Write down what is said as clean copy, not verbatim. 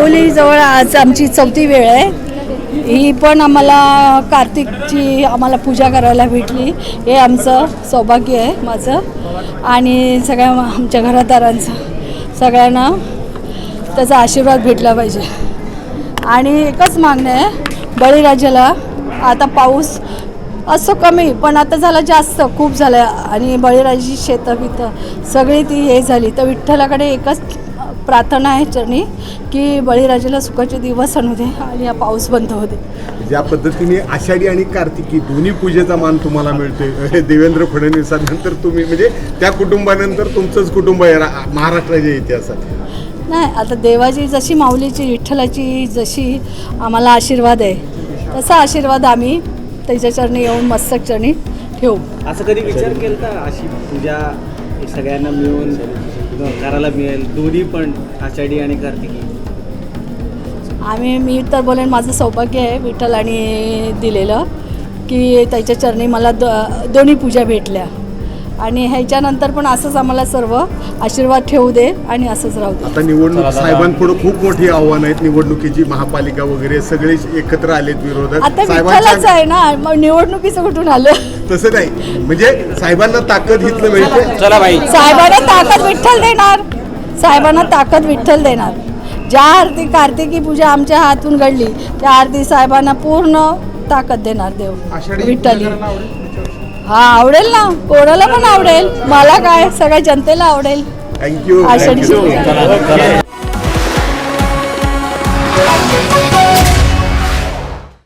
माऊलीजवळ आज आमची 4थी वेळ आहे. ही पण आम्हाला कार्तिकची आम्हाला पूजा करायला भेटली. हे आमचं सौभाग्य आहे माझं आणि सगळ्या आमच्या घरादारांचं. सगळ्यांना त्याचा आशीर्वाद भेटला पाहिजे. आणि एकच मागणं आहे, बळीराजाला आता पाऊस असं कमी पण आता झाला जास्त, खूप झालं आणि बळीराजाची शेतं बितं सगळी ती हे झाली. तर विठ्ठलाकडे एकच प्रार्थना आहे चरणी की बळीराजाला सुखाचे दिवस आणू दे आणि हा पाऊस बंद होऊ दे. ज्या पद्धतीने आषाढी आणि कार्तिकी दोन्ही पूजेचा मान तुम्हाला मिळतोय देवेंद्र फडणवीसांनंतर तुम्ही म्हणजे त्या कुटुंबानंतर तुमचंच कुटुंब आहे महाराष्ट्राच्या इतिहासात. नाही, आता देवाची जशी माऊलीची विठ्ठलाची जशी आम्हाला आशीर्वाद आहे तसा आशीर्वाद आम्ही त्याच्या चरणी येऊन मस्तक चरणी ठेवू. असं कधी विचार केला का अशी पूजा सगळ्यांना मिळून करायला मिळेल, दोन्ही पण आषाढी आणि कार्तिकी? मी तर बोलेन माझं सौभाग्य आहे विठ्ठल आणि दिलेलं की त्याच्या चरणी मला दोन्ही पूजा भेटल्या आणि ह्याच्यानंतर पण असंच आम्हाला सर्व आशीर्वाद ठेवू दे आणि असंच राहू दे. आता निवडणूक साहेबांपुढे खूप मोठी आव्हानं आहेत, निवडणुकीची, महापालिका वगैरे सगळे एकत्र आलेत विरोधात. आता विठ्ठलच आहे ना, मग निवडणुकीचं कुठून आलं? तसं नाही, म्हणजे साहेबांना ताकद इथलं मिळते. चला बाई, साहेबांना ताकद विठ्ठल देणार, साहेबांना ताकद विठ्ठल देणार. ज्या आरती कार्तिकी पूजा आमच्या हातून घडली त्या आरती साहेबांना पूर्ण ताकद देणार देव विठ्ठली. हा, आवडेल ना, कोणाला पण आवडेल, मला काय, सगळ्या जनतेला आवडेल. थँक्यू. आषाढी